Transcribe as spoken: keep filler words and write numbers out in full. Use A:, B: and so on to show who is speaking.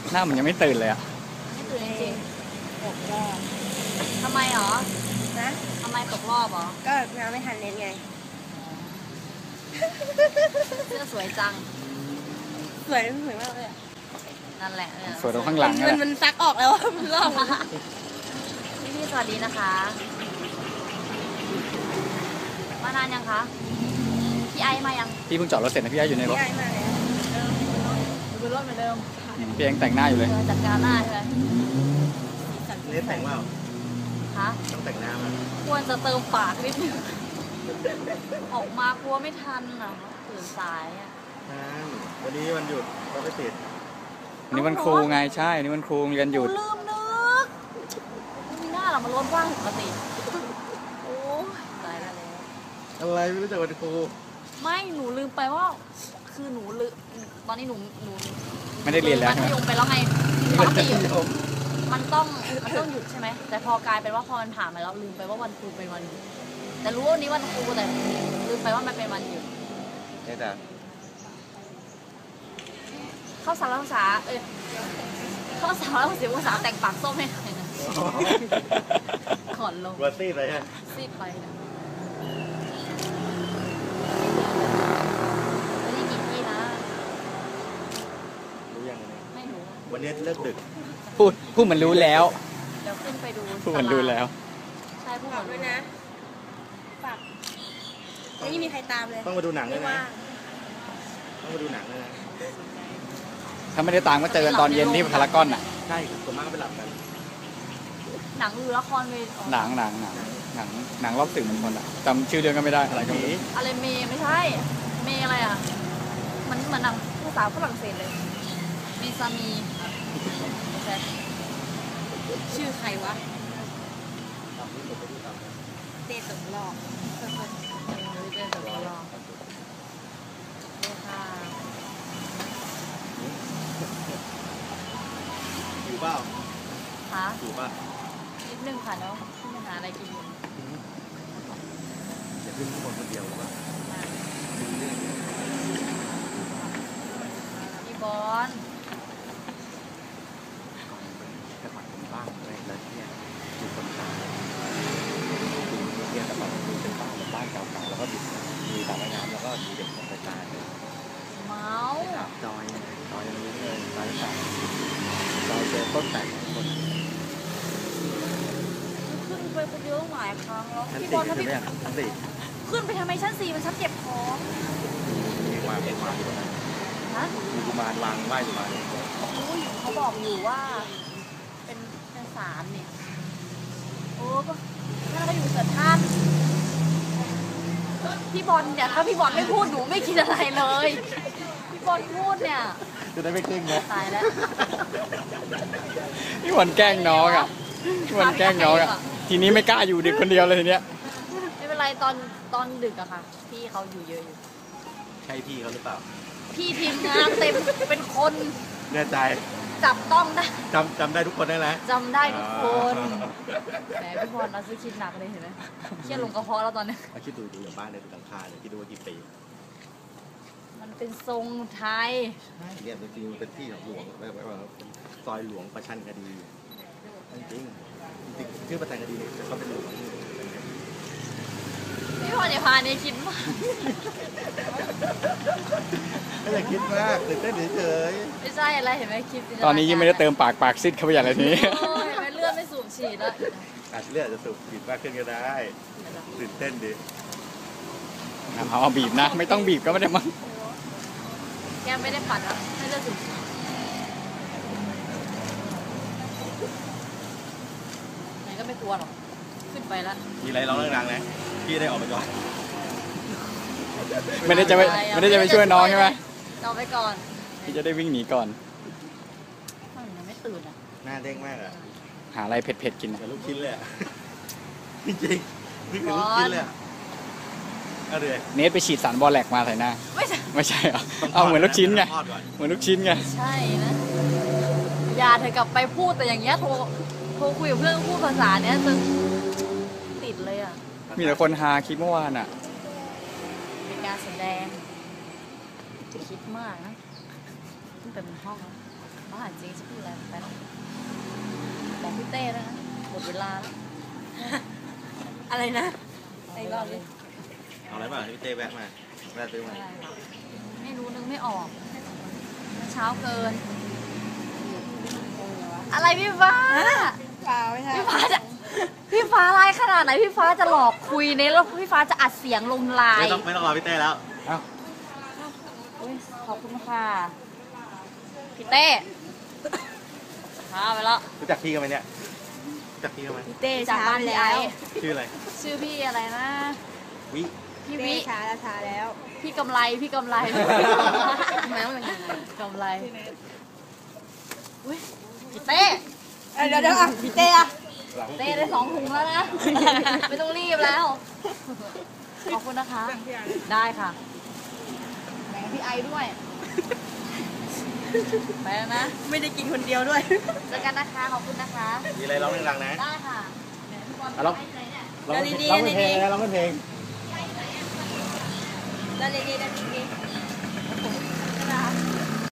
A: หน้ามันยังไม่ตื่นเลยอ่ะ
B: ไม่ตื่นจริงตกรอบทำไมหรอนะทำไมตกรอบหรอก็น้ำไม่ทันเล่นไงเสื้อสวยจังสวยสวยมากเลยนั่นแหละ
A: สวยตรงข้างหลัง
B: มันมันซักออกแล้วมันลอกพี่พี่สวัสดีนะคะมานานยังคะพี่ไอมายัง
A: พี่เพิ่งจอดรถเสร็จนะพี่ไออยู่ในรถ
B: พี่ไอมาแล้วดูรถเหมือนเดิม
A: พี่ยังแต่งหน้าอยู่เลย
B: จัดการหน้าใช่ไหม
C: นี่แต่งว่า
B: ฮะ
C: ต้องแต่งหน้ามา
B: ควรจะเติมปากนิดนึงออกมากลัวไม่ทันอ่ะตื่นสายอ่ะ
C: วันนี้วันหยุดก็ไม่ติด
A: วันนี้วันครูไงใช่นี่วันครูมีกันหยุด
B: ลืมนึกมีหน้าเรามันรถว่างปกติโอ้ยตายแล้ว
C: อะไรไม่รู้จักวันครู
B: ไม่หนูลืมไปว่าคือหนูลืมตอนนี้หนูหนู
A: ไม่ได้เรียนแล้ว
B: มัธยมไปแล้วไงปกติมันต้องมันต้องหยุดใช่ไหมแต่พอกลายเป็นว่าพอมันผ่านมาแล้วลืมไปว่าวันครูเป็นวันหยุดแต่รู้ว่าวันนี้วันครูแต่ลืมไปว่ามันเป็นวันหยุด
C: นี่จ้ะ
B: เข้าสารภาษาเออเข้าสารภาษาภาษาแต่งปากส้มให้หน่อยนะขอนลง
C: วัซีดเลยฮะ
B: ซีดไปนะ
C: วันนี้เลิกดึก
A: พูดพูดมันรู้แล้ว
B: เดี๋ยวขึ้นไปดู
A: พูดมันรู้แล้ว
B: ใช่พูดมันด้วยนะฝากไม่มีใครตามเลย
C: ต้องมาดูหนังเลยนะต้องมาดูหนังเลยนะ
A: ถ้าไม่ได้ตามก็เจอกันตอนเย็นที่พารากอนอ่ะ
C: ใช่ส่วนมากไปหลับกัน
B: หนังหรือละครเวที
A: หนังหนังหนังหนังหนังรอบสื่อมวลชนอ่ะจำชื่อเรื่องก็ไม่ได้อะไรก็ไม่รู้
B: อะไรเมย์ไม่ใช่เมย์อะไรอ่ะมันเหมือนหนังภาษาฝรั่งเศสเลยเมซามีชื่อใครวะเตะตกรอบเตะตกรอบเลยค่ะ
C: อยู่เปล่า
B: คะ
C: อยู่ป่ะ
B: นิดนึงค่ะเนาะขึ้นไปหาอะไรกินอยู่
C: จะขึ้นข้างบนคนเดียวหรือเปล่า
B: พี่บอล
C: บ้านอะไรแล้วเนี่ยมีคนตายเนี่ยแต่แบบมีเป็นบ้านแบบบ้านเก่าๆแล้วก็มีสระว่ายน้ำแล้วก็มีเด็กคนตาย
B: เมา
C: จอยจอยอย่างนี้เลยจอยแต่จอยเจอต้นแต่งคน
B: ขึ้นไปคนเดียวหลายครั้งแล้ว
C: พี่บอลถ้าพี่
B: ขึ้นไปทำไมชั้นสี่มันชั้นเก็บของ
C: มีวางเป็นวางอยู่นะ
B: ฮะ
C: มีกุมารวางไหว้กุมาร
B: เขาบอกอยู่ว่าเป็นเป็นสารเนี่ยโอ้ก็ถ้าเราอยู่เกิดท่านพี่บอลเนี่ยถ้าพี่บอลไม่พูดหนูไม่คิดอะไรเลยพี่บอลพูดเนี่ย
C: จะได้ไม่เก่งนะ
B: ตายแล้ว
A: พี่บอลแกล้งน้องอ่ะพี่บอลแกล้งน้องอ่ะทีนี้ไม่กล้าอยู่ดึกคนเดียวเลยทีเนี้ย
B: ไม่เป็นไรตอนตอนดึกอะค่ะพี่เขาอยู่เยอะอยู่
C: ใช่พี่เขาหรือเปล่า
B: พี่ทีมงานเต็มเป็นคน
C: แน่ใจ
B: จับต้องได้
C: จำจำได้ทุกคนได้แล้ว
B: จำได้ทุกคนแหมพี่บอลเราซื้อคิดหนักเลยเห็นไหมเครียดลงกระเพาะแล้วตอนนี้
C: คิดดูดูอย่างบ้านในหลังคาเนี่ยคิดดูว่ากี่ปี
B: มันเป็นทรงไทย
C: เนี่ยจริงๆมันเป็นที่ของหลวงแบบว่าซอยหลวงประชันคดีจริงจริงชื่อประชันคดีเนี่ยเขาเป็นหลวง
B: พี่บอลอย่าพาเนี่ยคิดมาก
C: ไม่อยากคิดมากตื่นเต้นเฉย
B: ๆไม่ใช่อะไรเห็นไหมคิด
A: ตอนนี้ยังไม่ได้เติมปากปากซิดเข้าไปอย่างไรทีนี้
B: เห็นไหมเลือดไม่สูบฉีดแล้ว
C: อาจเลือดจะสูบฉีดมากขึ้นก็ได้ตื่นเต้นดิ
A: เอาเอาบีบนะไม่ต้องบีบก็ไม่ได้มั้ง
B: แกไม่ได้ปัดแล้วไม่ได้สูบไหนก็ไม่กลัวหรอกขึ้นไปแล้ว
C: มีอะไรร้องดังๆนะพี่ได้ออกไปก่อน
A: ไม่ได้จะไปไม่ได้จะไปช่วยน้องใช่ไหม
B: เราไปก่อน
A: พี่จะได้วิ่งหนีก่อน
B: มันยังไม่ตื่นอ่ะ
C: หน้าเด้งมากอ่ะ
A: หาอะไรเผ็ดๆกิน
C: กับลูกชิ้นเลยจริงๆนี่คือลูกชิ้นเลยเอาเลย
A: เนทไปฉีดสารบอแลกมาใส่หน้า
B: ไม่ใช่
A: ไม่ใช่เหรอเอาเหมือนลูกชิ้นไงเหมือนลูกชิ้นไง
B: ใช่นะอย่าเธอกลับไปพูดแต่อย่างเงี้ยโทรโทรคุยกับเพื่อนพูดภาษาเนี้ยจนติดเลยอ่ะ
A: มีแต่คนฮาคลิปเมื่อวานอ่ะ
B: เป็นการแสดงคิดมากนะตั้งแต่เป็นห้องแล้วเขาหาจริงจะพูดอะไรไปหรอกบอกพี่เต้แล้วนะหมดเวลาแล้ว
D: อะไรนะ
B: ไอ้รอบนี้
C: เอาอะไรบ้างพี่เต้แวะมาแวะซื้อมา
B: ไม่รู้นึกไม่ออกเช้าเกิน อะไรพี่ฟ้า
D: เปล่าไม่ใช่
B: พี่ฟ้าจะพี่ฟ้าไลน์ขนาดไหนพี่ฟ้าจะหลอกคุยในแล้วพี่ฟ้าจะอัดเสียงลงไล
C: ไม่
B: น์
C: ต้องไม่ต้องรอพี่เต้แล้ว
A: เอ้า
B: อุ๊ยขอบคุณค่ะพี่เต้พาไปแล้ว
C: รู้จักพี่กันไหมเนี่ยรู้จักพี่กันไหม
D: พี่เต้
B: จาก
D: ช้า
B: บ้าน
D: ไป
B: พี่
D: แล้
B: ไอ
D: ว
C: ชื่ออะไร
B: ชื่อพี่อะไรนะ
C: วิ
B: พี่
D: เต้
B: วิ
D: ช้าแล้วช้าแล้ว
B: พี่กำไรพี่กำไร
D: แมวมันยังไง
B: กำไรอุ้ยพี่เต้
D: เอ้ยเดี๋ยวเดี๋ยวอ่ะพี่เต้อะ
B: เต้ได้สองถุงแล้วนะ ไม่ต้องรีบแล้ว ขอบคุณนะคะ ได้ค่ะแบ่งพี่ไอด้วยไปแล้วนะ
D: ไม่ได้กินคนเดียวด้วย
B: เจอกันนะคะ ขอบคุณนะคะ
C: มีอะไรร้องดังๆนะ
B: ได้ค่ะแหมพี่บอล
A: อ่ะร้อง
B: ไปไหนเนี่ย
A: ร้อง
D: ดีๆ
A: ร้องเป็นเพลง
D: ดีๆ
A: นะร้องเป็นเพลง
D: แล้วดีๆแล้วดีๆ